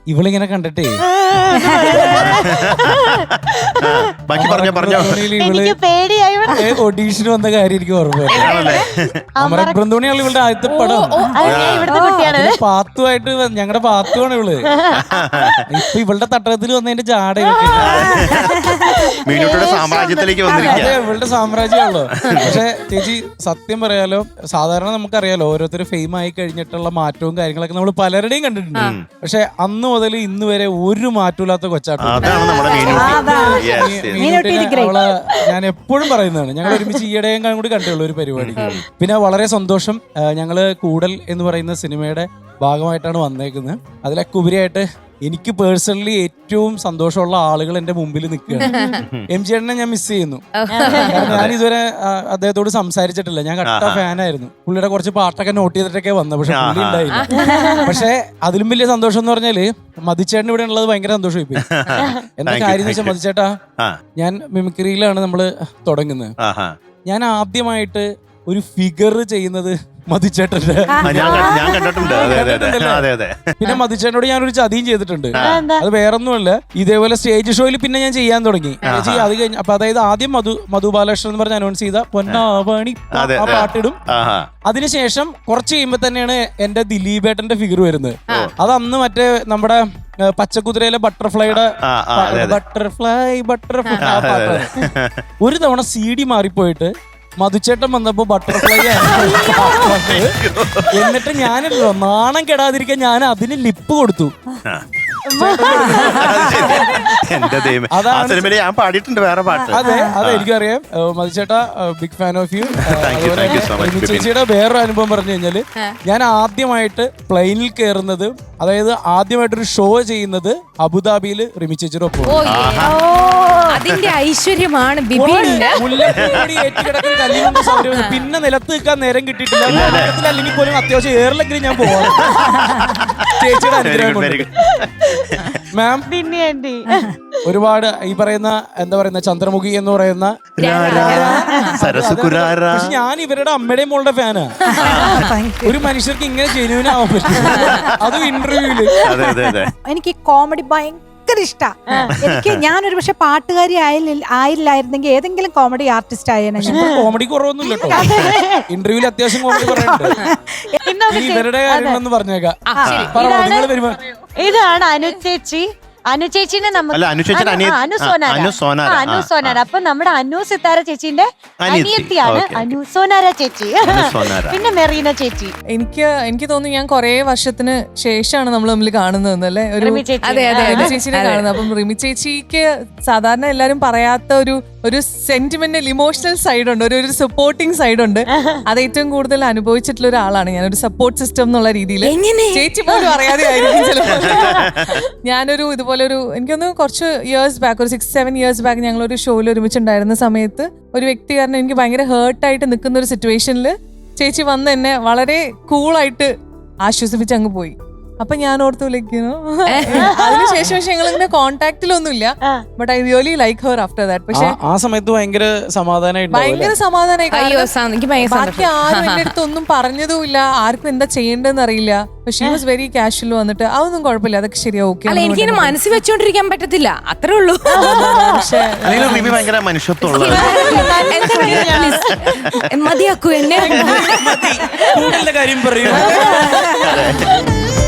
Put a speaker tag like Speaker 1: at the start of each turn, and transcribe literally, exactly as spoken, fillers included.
Speaker 1: ഇവളിങ്ങനെ കണ്ടിട്ടേ
Speaker 2: ബാക്കി പറഞ്ഞോ പറഞ്ഞോ.
Speaker 3: എനിക്ക് പേടിയായി.
Speaker 1: ഓഡീഷന് വന്ന കാര്യം എനിക്ക് ഓർമ്മ. അമരക് ബ്രന്തോണിയാണ് ഇവളുടെ ആദ്യത്തെ പടം.
Speaker 3: ഇവിടുത്തെ കുട്ടിയാണ്.
Speaker 1: പാത്തുമായിട്ട് ഞങ്ങളുടെ പാത്തുവാണ് ഇവള്. ഇപ്പൊ ഇവളുടെ തട്ടകത്തിൽ വന്നതിന്റെ ജാട
Speaker 2: മീനുട്ടിയുടെ സാമ്രാജ്യത്തിലേക്ക് വന്നിരിക്കുക.
Speaker 1: ഇവളുടെ സാമ്രാജ്യമാണല്ലോ. പക്ഷെ ചേച്ചി സത്യം പറയാലോ, സാധാരണ നമുക്കറിയാലോ ഓരോരുത്തർ ഫെയിം ആയി കഴിഞ്ഞിട്ടുള്ള മാറ്റവും കാര്യങ്ങളൊക്കെ നമ്മൾ പലരുടെയും കണ്ടിട്ടുണ്ട്. പക്ഷെ അന്ന് മുതൽ ഇന്ന് വരെ ഒരു മാറ്റമില്ലാത്ത കൊച്ചാട്ടം. അവളെ ഞാൻ എപ്പോഴും പറയുന്നതാണ്. ഞങ്ങൾ ഒരുമിച്ച് ഈയിടെയും കൂടി കണ്ടുള്ള ഒരു പരിപാടി. പിന്നെ വളരെ സന്തോഷം, ഞങ്ങള് കൂടൽ എന്ന് പറയുന്ന സിനിമയുടെ ഭാഗമായിട്ടാണ് വന്നേക്കുന്നത്. അതിലൊക്കെ ഉപരിയായിട്ട് എനിക്ക് പേഴ്സണലി ഏറ്റവും സന്തോഷമുള്ള ആളുകൾ എന്റെ മുമ്പിൽ നിൽക്കുകയാണ്. എം ജി ചേട്ടനെ ഞാൻ മിസ് ചെയ്യുന്നു. ഞാൻ ഇതുവരെ അദ്ദേഹത്തോട് സംസാരിച്ചിട്ടില്ല. ഞാൻ കട്ട ഫാനായിരുന്നു. പുള്ളിയുടെ കുറച്ച് പാട്ടൊക്കെ നോട്ട് ചെയ്തിട്ടൊക്കെ വന്നത്. പക്ഷെ പുള്ളി ഉണ്ടായില്ല. പക്ഷെ അതിലും വലിയ സന്തോഷം എന്ന് പറഞ്ഞാല് മതിച്ചേട്ടൻ ഇവിടെ ഉള്ളത് ഭയങ്കര സന്തോഷമായി പോയി. എന്താ കാര്യം എന്ന് വെച്ചാൽ മതിച്ചേട്ടാ, ഞാൻ മിമിക്രിയിലാണ് നമ്മള് തുടങ്ങുന്നത്. ഞാൻ ആദ്യമായിട്ട് ഒരു ഫിഗർ ചെയ്യുന്നത് മതിച്ചേട്ടന്റെ. പിന്നെ മതിച്ചേട്ടനോട് ഞാനൊരു ചതിയും ചെയ്തിട്ടുണ്ട്. അത് വേറൊന്നുമല്ല, ഇതേപോലെ സ്റ്റേജ് ഷോയിൽ പിന്നെ ഞാൻ ചെയ്യാൻ തുടങ്ങി. അത് കഴിഞ്ഞ അപ്പൊ അതായത് ആദ്യം മധു മധു ബാലകൃഷ്ണൻ എന്ന് പറഞ്ഞ് അനൗൺസ് ചെയ്ത പൊന്നാവണി ആ പാട്ടിടും. അതിനുശേഷം കുറച്ച് കഴിയുമ്പോ തന്നെയാണ് എന്റെ ദിലീപേട്ടന്റെ ഫിഗർ വരുന്നത്. അത് അന്ന് മറ്റേ നമ്മുടെ പച്ചക്കുതിരയിലെ ബട്ടർഫ്ലൈയുടെ ബട്ടർഫ്ലൈ ബട്ടർഫ്ലൈ ആ പാട്ടാണ്. ഒരു തവണ സി ഡി മാറിപ്പോയിട്ട് മധുച്ചേട്ടൻ വന്നപ്പോ ബട്ടർഫ്ലൈ എന്നിട്ട് ഞാനല്ലോ നാണം കെടാതിരിക്കാൻ ഞാൻ അതിന് ലിപ്പ് കൊടുത്തു. അതെ അതെ എനിക്കറിയാം. മധുചേട്ടാ ബിഗ് ഫാൻ ഓഫ് യു. ചേച്ചിയുടെ വേറൊരു അനുഭവം പറഞ്ഞു കഴിഞ്ഞാല്, ഞാൻ ആദ്യമായിട്ട് പ്ലെയിനിൽ കയറുന്നത്, അതായത് ആദ്യമായിട്ടൊരു ഷോ ചെയ്യുന്നത് അബുദാബിയിൽ റിമി ചേച്ചിയുടെ ഒപ്പം.
Speaker 4: അതിന്റെ ഐശ്വര്യമാണ്
Speaker 1: ഏറ്റുകിടക്കുന്ന കല്ലിനുണ്ട് സൗകര്യം. പിന്നെ നിലത്ത് നിൽക്കാൻ നേരം കിട്ടിയിട്ടില്ല. അല്ലെങ്കിൽ പോലും അത്യാവശ്യം ഏറിലെങ്കിലും ഞാൻ പോവാം. ചേച്ചിയുടെ അനുഗ്രഹം കൊണ്ട്. മാം ഒരുപാട് ഈ പറയുന്ന എന്താ പറയുന്ന ചന്ദ്രമുഖി എന്ന് പറയുന്ന, പക്ഷെ ഞാൻ ഇവരുടെ അമ്മയുടെയും മോളുടെ ഫാനാ. ഒരു മനുഷ്യർക്ക് ഇങ്ങനെ ജെന്യൂൻ ആവാൻ പറ്റും, അതും ഇന്റർവ്യൂല്.
Speaker 5: എനിക്ക് കോമഡി ഭയങ്കര ഇഷ്ടാ. എനിക്ക് ഞാനൊരു പക്ഷെ പാട്ടുകാരി ആയില്ല ആയില്ലായിരുന്നെങ്കിൽ ഏതെങ്കിലും കോമഡി ആർട്ടിസ്റ്റ് ആയേനെ.
Speaker 1: കോമഡി കുറവൊന്നുമില്ല കേട്ടോ, ഇന്റർവ്യൂല് അത്യാവശ്യം കോമഡി പറയുന്നുണ്ട്. ഇവരുടെ കാര്യങ്ങളൊന്ന് പറഞ്ഞേക്കാം.
Speaker 3: ഇതാണ് അനു ചേച്ചി. അനു ചേച്ചിനെ അനു സോനാര. അപ്പൊ നമ്മുടെ അനു സിത്താര ചേച്ചിന്റെ അനിയത്തിയാണ് അനു സോനാര ചേച്ചി. പിന്നെ മെറീന ചേച്ചി.
Speaker 6: എനിക്ക് എനിക്ക് തോന്നുന്നു ഞാൻ കുറെ വർഷത്തിന് ശേഷമാണ് നമ്മൾ തമ്മിൽ കാണുന്നതെന്നല്ലേ, ഒരു ചേച്ചിനെ കാണുന്നത്. അപ്പം റിമി ചേച്ചിക്ക് സാധാരണ എല്ലാരും പറയാത്ത ഒരു ഒരു സെന്റിമെന്റൽ ഇമോഷണൽ സൈഡ് ഉണ്ട്, ഒരു ഒരു സപ്പോർട്ടിങ് സൈഡ് ഉണ്ട്. അത് ഏറ്റവും കൂടുതൽ അനുഭവിച്ചിട്ടുള്ള ഒരാളാണ് ഞാൻ, ഒരു സപ്പോർട്ട് സിസ്റ്റം എന്നുള്ള രീതിയിൽ. ചേച്ചി പോലും അറിയാതെ ആയിരിക്കും ചിലപ്പോൾ. ഞാനൊരു ഇതുപോലെ ഒരു എനിക്കൊന്ന് കുറച്ച് ഇയേഴ്സ് ബാക്ക്, ഒരു സിക്സ് സെവൻ ഇയേഴ്സ് ബാക്ക് ഞങ്ങൾ ഒരു ഷോയിൽ ഒരുമിച്ചുണ്ടായിരുന്ന സമയത്ത് ഒരു വ്യക്തി കാരണം എനിക്ക് ഭയങ്കര ഹേർട്ടായിട്ട് നിൽക്കുന്ന ഒരു സിറ്റുവേഷനിൽ ചേച്ചി വന്ന് എന്നെ വളരെ കൂളായിട്ട് ആശ്വസിപ്പിച്ച് അങ്ങ് പോയി. അപ്പൊ ഞാൻ ഓർത്തു വിളിക്കുന്നു. അതിനുശേഷം പക്ഷെ ഞങ്ങൾ ഇങ്ങനെ കോണ്ടാക്റ്റിലൊന്നുമില്ല. But I really like her after that. പക്ഷെ
Speaker 1: ആ സമയത്ത് ഭയങ്കര സമാധാനമായി
Speaker 6: ഭയങ്കര സമാധാനമായി. ബാക്കി ആരും എന്റെ അടുത്ത് ഒന്നും പറഞ്ഞതുമില്ല, ആർക്കും എന്താ ചെയ്യേണ്ടതെന്ന് അറിയില്ല. പക്ഷെ ഷീ വാസ് വെരി കാഷ്വൽ. വന്നിട്ട് അതൊന്നും കുഴപ്പമില്ല, അതൊക്കെ ശരിയാ, ഓക്കെ.
Speaker 4: എനിക്ക് മനസ്സിൽ വെച്ചോണ്ടിരിക്കാൻ പറ്റത്തില്ല, അത്രേ ഉള്ളൂ. മതിയാക്കൂ എന്നെ.
Speaker 1: കാര്യം പറയൂ.